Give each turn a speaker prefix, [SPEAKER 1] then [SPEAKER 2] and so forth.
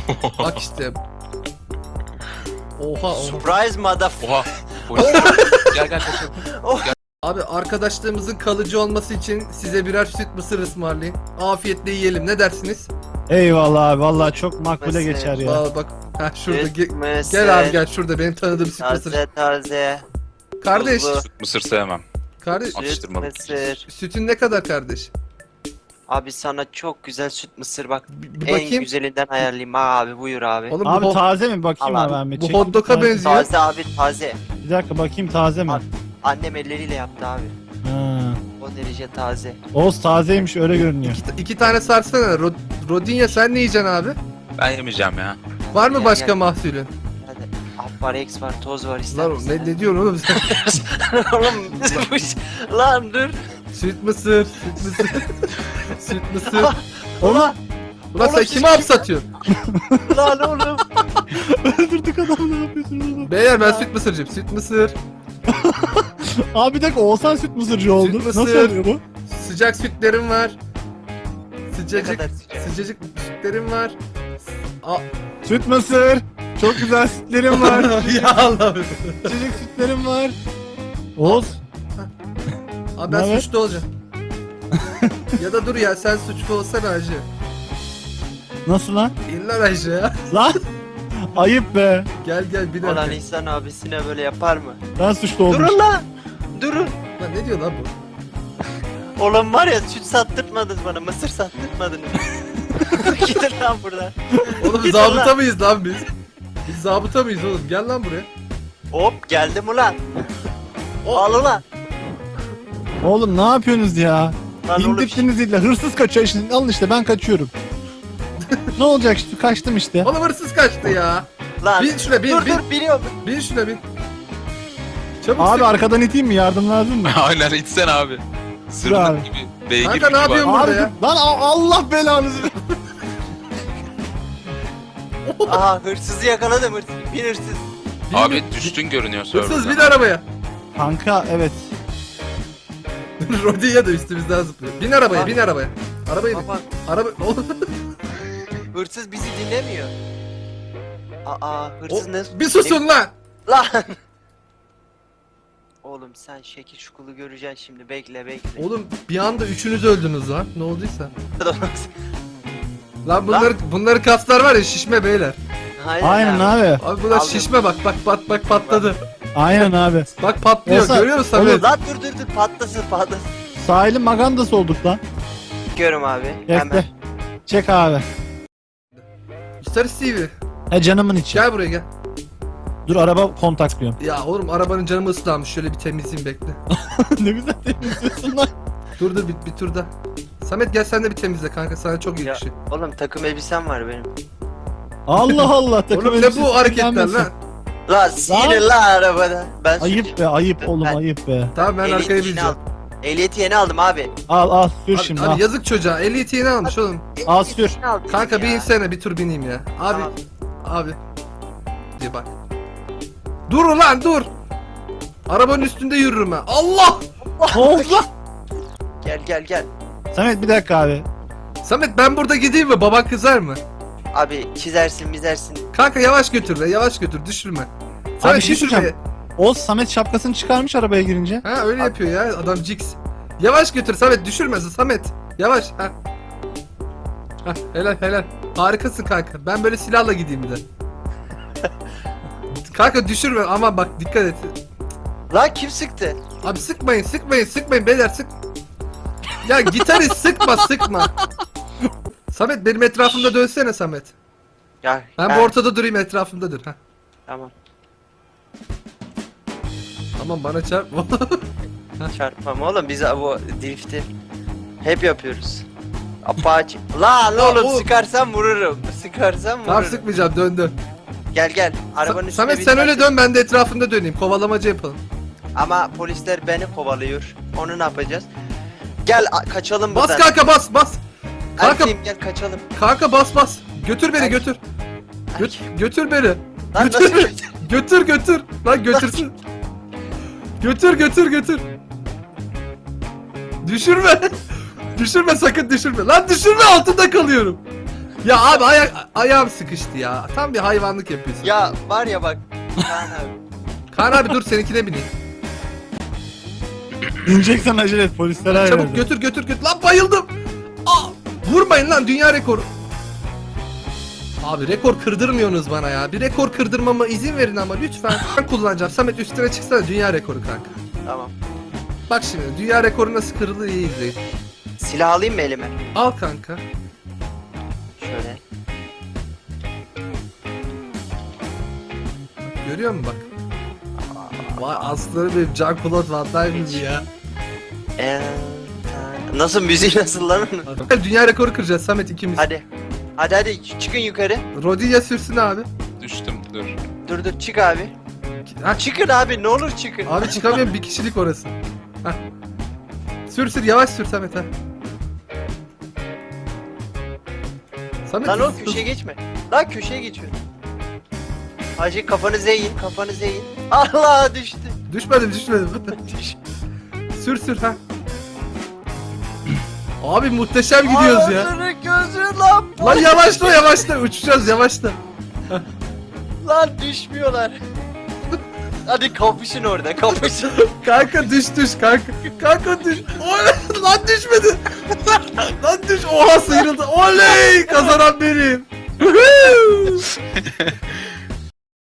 [SPEAKER 1] Bak işte. Oha.
[SPEAKER 2] Surprise motherfucker.
[SPEAKER 3] Oha. Polis. Gel kaçalım.
[SPEAKER 1] Abi arkadaşlığımızın kalıcı olması için size birer süt mısır ısmarlayayım. Afiyetle yiyelim. Ne dersiniz?
[SPEAKER 4] Eyvallah abi vallahi çok makbule
[SPEAKER 2] Mesela-
[SPEAKER 4] geçer ya.
[SPEAKER 1] Bak. Ha şurada
[SPEAKER 2] Mısır.
[SPEAKER 1] gel abi gel şurada benim tanıdığım süt mısır.
[SPEAKER 2] Taze taze.
[SPEAKER 1] Kardeş,
[SPEAKER 2] Tuzlu.
[SPEAKER 3] Mısır sevmem.
[SPEAKER 1] kardeş
[SPEAKER 2] Süt
[SPEAKER 3] Atıştırmalık.
[SPEAKER 2] mısır.
[SPEAKER 1] sütün ne kadar kardeş?
[SPEAKER 2] Abi sana çok güzel süt mısır bak.
[SPEAKER 1] Bir
[SPEAKER 2] En
[SPEAKER 1] bakayım.
[SPEAKER 2] güzelinden ayarlayayım abi, buyur abi.
[SPEAKER 1] Oğlum
[SPEAKER 4] Abi
[SPEAKER 1] bu,
[SPEAKER 4] taze mi? Bakayım
[SPEAKER 2] Allah,
[SPEAKER 4] abi ben bir
[SPEAKER 1] bu
[SPEAKER 4] çekeyim.
[SPEAKER 1] hot dog'a
[SPEAKER 4] Taze.
[SPEAKER 1] benziyor.
[SPEAKER 2] Taze abi, taze.
[SPEAKER 4] Bir dakika bakayım taze mi?
[SPEAKER 2] Abi. Annem elleriyle yaptı abi.
[SPEAKER 4] Ha.
[SPEAKER 2] O derece taze.
[SPEAKER 4] Oğuz tazeymiş öyle görünüyor.
[SPEAKER 1] İki tane sarsana. Rodinya sen ne yiyeceksin abi?
[SPEAKER 3] Ben yemeyeceğim ya.
[SPEAKER 1] Var mı
[SPEAKER 2] Gel,
[SPEAKER 1] başka
[SPEAKER 2] gel.
[SPEAKER 1] mahsulün?
[SPEAKER 2] Hadi. Ab var, X var, toz var, ister
[SPEAKER 1] Lan
[SPEAKER 2] misin?
[SPEAKER 1] ne diyorsun oğlum sen?
[SPEAKER 2] Oğlum lan dur.
[SPEAKER 1] Süt mısır, süt mısır. Süt mısır.
[SPEAKER 4] Oğlum
[SPEAKER 1] Ulan sen
[SPEAKER 2] Oğlum,
[SPEAKER 1] kime hap satıyorsun?
[SPEAKER 2] Lan oğlum.
[SPEAKER 4] öldürdük adamı ne yapıyorsunuz oğlum?
[SPEAKER 1] Beyler ben süt mısırcıyım. Süt mısır.
[SPEAKER 4] Abi bir dakika Oğuzhan süt mısırcı oldu.
[SPEAKER 1] Süt mısır.
[SPEAKER 4] Nasıl oluyor bu?
[SPEAKER 1] Sıcak sütlerim var.
[SPEAKER 2] Ne
[SPEAKER 1] Sıcacık,
[SPEAKER 2] kadar sıcak.
[SPEAKER 1] sıcacık sütlerim var. Aa,
[SPEAKER 4] Süt mısır. Çok güzel sütlerim var.
[SPEAKER 1] ya Allah'ım.
[SPEAKER 4] Çocuk sütlerim var. Oğuz.
[SPEAKER 1] Abi ben
[SPEAKER 4] Naber?
[SPEAKER 1] suçlu olacağım. Ya da dur ya sen suçlu olsana hacı.
[SPEAKER 4] Nasıl lan?
[SPEAKER 1] İlla hacı ya.
[SPEAKER 4] Lan. Ayıp be.
[SPEAKER 1] Gel bir
[SPEAKER 2] Ulan
[SPEAKER 1] dakika.
[SPEAKER 2] İhsan abisine böyle yapar mı?
[SPEAKER 4] Ben suçlu oldum.
[SPEAKER 2] Durun lan. Durun.
[SPEAKER 1] Lan ne diyor lan bu?
[SPEAKER 2] Oğlum var ya, süt sattırtmadınız bana, mısır sattırtmadınız. Gidin lan buradan.
[SPEAKER 1] Oğlum
[SPEAKER 2] Git
[SPEAKER 1] zabıta
[SPEAKER 2] lan.
[SPEAKER 1] mıyız lan biz? Biz zabıta mıyız oğlum? Gel lan buraya.
[SPEAKER 2] Hop geldim ulan. Al ulan.
[SPEAKER 4] Oğlum ne yapıyorsunuz ya?
[SPEAKER 2] Lan oğlum,
[SPEAKER 4] İndirdiniz illa. Hırsız kaçıyor işte. Alın işte ben kaçıyorum. Ne olacak işte kaçtım işte.
[SPEAKER 1] Oğlum hırsız kaçtı ya.
[SPEAKER 2] lan.
[SPEAKER 1] Bin şuna bin
[SPEAKER 2] Dur
[SPEAKER 1] bin.
[SPEAKER 2] dur, biliyorum.
[SPEAKER 1] Bin şuna bin. Çabuk
[SPEAKER 4] Abi
[SPEAKER 1] sık.
[SPEAKER 4] arkadan iteyim mi? Yardım lazım mı?
[SPEAKER 3] Aynen içsen abi.
[SPEAKER 4] abi.
[SPEAKER 3] Sırlık gibi. Beygir
[SPEAKER 1] Kanka,
[SPEAKER 3] gibi
[SPEAKER 1] ne yapıyorsun
[SPEAKER 3] var.
[SPEAKER 1] burada
[SPEAKER 4] Abi
[SPEAKER 1] ya?
[SPEAKER 4] lan Allah belanızı.
[SPEAKER 2] Aha, hırsızı yakaladım, hırsız. Bir hırsız.
[SPEAKER 1] Bin,
[SPEAKER 3] Abi
[SPEAKER 1] bin.
[SPEAKER 3] düştün görünüyor
[SPEAKER 1] Hırsız
[SPEAKER 3] serverdan.
[SPEAKER 1] bin arabaya.
[SPEAKER 4] Kanka evet.
[SPEAKER 1] Rodinya da üstümüzden zıplıyor. Bin arabaya
[SPEAKER 2] Bak.
[SPEAKER 1] bin arabaya. Arabaya bin.
[SPEAKER 2] Baba,
[SPEAKER 1] Araba... Oğlum.
[SPEAKER 2] hırsız bizi dinlemiyor. Aa, hırsız ne?
[SPEAKER 1] Bir susun lan.
[SPEAKER 2] Lan. Oğlum sen şekil şukulu göreceksin şimdi, bekle.
[SPEAKER 1] Oğlum bir anda üçünüz öldünüz lan. Ne olduysa. Lan bunların kaslar var ya şişme beyler.
[SPEAKER 4] Aynen abi.
[SPEAKER 1] Abi bunlar
[SPEAKER 2] Aldım.
[SPEAKER 1] şişme bak patladı.
[SPEAKER 4] Aynen abi.
[SPEAKER 1] Bak patlıyor
[SPEAKER 4] Olsa-
[SPEAKER 1] görüyor musun Samet?
[SPEAKER 2] Lan dur, patlasın.
[SPEAKER 4] Sahilin magandası olduk lan.
[SPEAKER 2] Görüyorum abi. Hemen.
[SPEAKER 4] Bekle. Çek abi.
[SPEAKER 1] Sarı Stevie
[SPEAKER 4] He canımın içi.
[SPEAKER 1] gel buraya gel.
[SPEAKER 4] Dur araba kontaklıyorum.
[SPEAKER 1] Ya oğlum arabanın canımı ıslanmış şöyle bir temizleyeyim bekle.
[SPEAKER 4] Ne güzel temizliyorsun lan.
[SPEAKER 1] Dur bir turda. Samet gel sen de bir temizle kanka sana çok
[SPEAKER 2] Ya,
[SPEAKER 1] yakışıyor.
[SPEAKER 2] oğlum takım elbisem var benim.
[SPEAKER 4] Allah Allah. takım
[SPEAKER 1] Oğlum ne
[SPEAKER 4] elbisesi
[SPEAKER 1] bu hareketler
[SPEAKER 4] beğenmesin.
[SPEAKER 1] lan?
[SPEAKER 2] Lan sinir lan arabada. Ben
[SPEAKER 4] Ayıp be ayıp oğlum
[SPEAKER 2] Ben-
[SPEAKER 4] ayıp be.
[SPEAKER 1] Tamam ben
[SPEAKER 2] Ehliyeti
[SPEAKER 1] arkaya
[SPEAKER 2] yeni
[SPEAKER 1] bineceğim.
[SPEAKER 2] aldım. Ehliyeti yeni aldım abi.
[SPEAKER 4] Al sür
[SPEAKER 1] Abi,
[SPEAKER 4] şimdi
[SPEAKER 1] abi
[SPEAKER 4] al.
[SPEAKER 1] yazık çocuğa ehliyeti yeni almış oğlum.
[SPEAKER 4] Al
[SPEAKER 2] Ehliyeti
[SPEAKER 4] sür.
[SPEAKER 2] yeni aldım
[SPEAKER 1] Kanka bir
[SPEAKER 2] ya.
[SPEAKER 1] insene bir tur bineyim ya. Abi
[SPEAKER 2] Tamam.
[SPEAKER 1] abi. Diye bak. Dur ulan dur. Arabanın üstünde yürürüm ha. Allah!
[SPEAKER 4] Allah.
[SPEAKER 2] Gel.
[SPEAKER 4] Samet bir dakika abi.
[SPEAKER 1] Samet ben burada gideyim mi? Baban kızar mı?
[SPEAKER 2] Abi çizersin mizersin.
[SPEAKER 1] Kanka yavaş götür be yavaş götür düşürme. Samet
[SPEAKER 4] bir şey
[SPEAKER 1] düşürme.
[SPEAKER 4] söyleyeceğim. Oğuz Samet şapkasını çıkarmış arabaya girince.
[SPEAKER 1] Ha öyle yapıyor ya adam Jix. Yavaş götür Samet düşürmesin Samet. Yavaş ha. Ha helal. Harikasın kanka. Ben böyle silahla gideyim bir de. Kanka düşürme ama bak dikkat et.
[SPEAKER 2] Lan kim sıktı?
[SPEAKER 1] Abi sıkmayın beyler sık. Ya gitarist sıkma. Samet benim etrafımda dönsene Samet.
[SPEAKER 2] Ya
[SPEAKER 1] Ben bu ortada durayım etrafımda dur. Ha.
[SPEAKER 2] Tamam,
[SPEAKER 1] Tamam bana çarpma.
[SPEAKER 2] çarpmam oğlum, biz bu drift'i hep yapıyoruz. Apache. Lan oğlum
[SPEAKER 1] oğlum.
[SPEAKER 2] sıkarsam vururum.
[SPEAKER 1] Tamam sıkmayacağım dön.
[SPEAKER 2] Gel. Arabanın üstüne
[SPEAKER 1] Samet
[SPEAKER 2] bin,
[SPEAKER 1] sen
[SPEAKER 2] ben
[SPEAKER 1] öyle
[SPEAKER 2] de-
[SPEAKER 1] dön ben de etrafında döneyim. Kovalamaca yapalım.
[SPEAKER 2] Ama polisler beni kovalıyor. Onu ne yapacağız? Gel kaçalım
[SPEAKER 1] Bas
[SPEAKER 2] buradan.
[SPEAKER 1] kanka bas. Kanka
[SPEAKER 2] Erkeğim, gel kaçalım.
[SPEAKER 1] kanka bas. Götür beni
[SPEAKER 2] Ay.
[SPEAKER 1] götür.
[SPEAKER 2] Erkeğim.
[SPEAKER 1] Götür beni.
[SPEAKER 2] Lan
[SPEAKER 1] götür.
[SPEAKER 2] nasıl
[SPEAKER 1] Götür. Lan götürsün. götür. Düşürme. Düşürme sakın düşürme. Lan düşürme altında kalıyorum. Ya abi ayağım sıkıştı ya. Tam bir hayvanlık yapıyorsun.
[SPEAKER 2] Ya var ya bak. Kaan abi.
[SPEAKER 1] Kaan abi dur seninkine bineyim.
[SPEAKER 4] İneceksen acele et polislere
[SPEAKER 1] Çabuk
[SPEAKER 4] ayarla.
[SPEAKER 1] götür. Lan bayıldım. Aa, vurmayın lan dünya rekoru. Abi rekor kırdırmıyorsunuz bana ya. Bir rekor kırdırmama izin verin ama lütfen. Ben kullanacağım. Samet üstüne çıksana dünya rekoru kanka.
[SPEAKER 2] Tamam.
[SPEAKER 1] Bak şimdi dünya rekoru nasıl kırılır iyi izleyin.
[SPEAKER 2] Silah alayım mı elime?
[SPEAKER 1] Al kanka.
[SPEAKER 2] Şöyle.
[SPEAKER 1] Görüyor musun bak? Vay aslanım benim Jean-Claude Van Damme gibi ya.
[SPEAKER 2] Nasıl müziği nasıl lan onun?
[SPEAKER 1] Dünya rekoru kıracağız Samet ikimiz.
[SPEAKER 2] Hadi çıkın yukarı.
[SPEAKER 1] Rodinya sürsün abi.
[SPEAKER 3] Düştüm dur.
[SPEAKER 2] Dur çık abi.
[SPEAKER 1] Ha,
[SPEAKER 2] Çıkın abi ne olur çıkın.
[SPEAKER 1] abi çıkamıyorum bir kişilik orası. Hah. Sür yavaş sür Samet ha. Samet
[SPEAKER 2] Lan o
[SPEAKER 1] hızlı-
[SPEAKER 2] köşeye geçme. Lan köşeye geçiyor. Hacı kafanızı eğin. Allah düştü.
[SPEAKER 1] Düşmedim.
[SPEAKER 2] Düş.
[SPEAKER 1] Sür ha. Abi muhteşem gidiyoruz ya.
[SPEAKER 2] Ağzını gözü lan.
[SPEAKER 1] Lan yavaşla uçacağız yavaşla.
[SPEAKER 2] Lan düşmüyorlar. Hadi kapışın orada kapışın.
[SPEAKER 1] Kanka düş kanka. Kanka düş. Oley lan düşmedi. Lan düş. Oha sıyrıldı. Oley kazanan benim.